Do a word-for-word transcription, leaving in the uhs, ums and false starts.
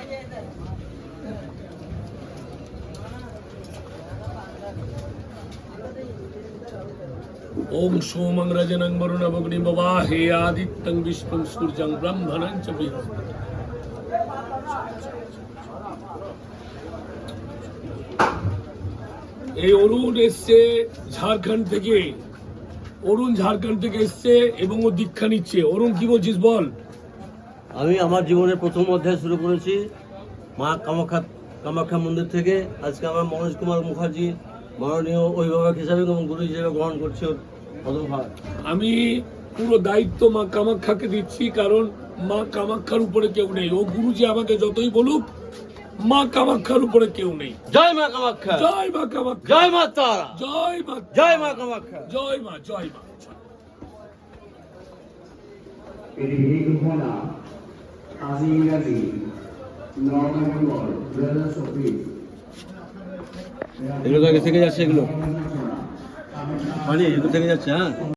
ओम सोमं रजनं वरुणं अग्निं बवाहे आदित्यं विष्णुं सूर्यं ब्रह्मणं च बृहस्पतिं। এই অরুণ এসছে ঝাড়খণ্ড থেকে, অরুণ ঝাড়খণ্ড থেকে এসছে এবং ও দীক্ষা নিচ্ছে। অরুণ কি বলছিস বল? আমি আমার জীবনের প্রথম অধ্যায় শুরু করেছি মা কামাখ্যা কামাখ্যা মন্দির থেকে। আজকে আমার মনোজ কুমার মুখার্জি মাননীয় অভিভাবক হিসাবে এবং গুরু হিসেবে গ্রহণ করছি। আমি পুরো দায়িত্ব মা কামাখ্যাকে দিচ্ছি, কারণ মা কামাখ্যার উপরে কেউ নেই। ও গুরুজি আমাকে যতই বলুক, মা কামাখ্যার উপরে কেউ নেই। জয় মা কামাখ্যা, জয় মা কামাখ্যা, জয় মা তারা, জয় মা, জয় মা কামাখ্যা, জয় মা, জয় মা। এটি এই ঘোষণা আজি ইংরাজি নয় নভেম্বর দুই হাজার চব্বিশ। এগুলো থেকে যাচ্ছে, এগুলো মানে এগুলো থেকে যাচ্ছে। হ্যাঁ।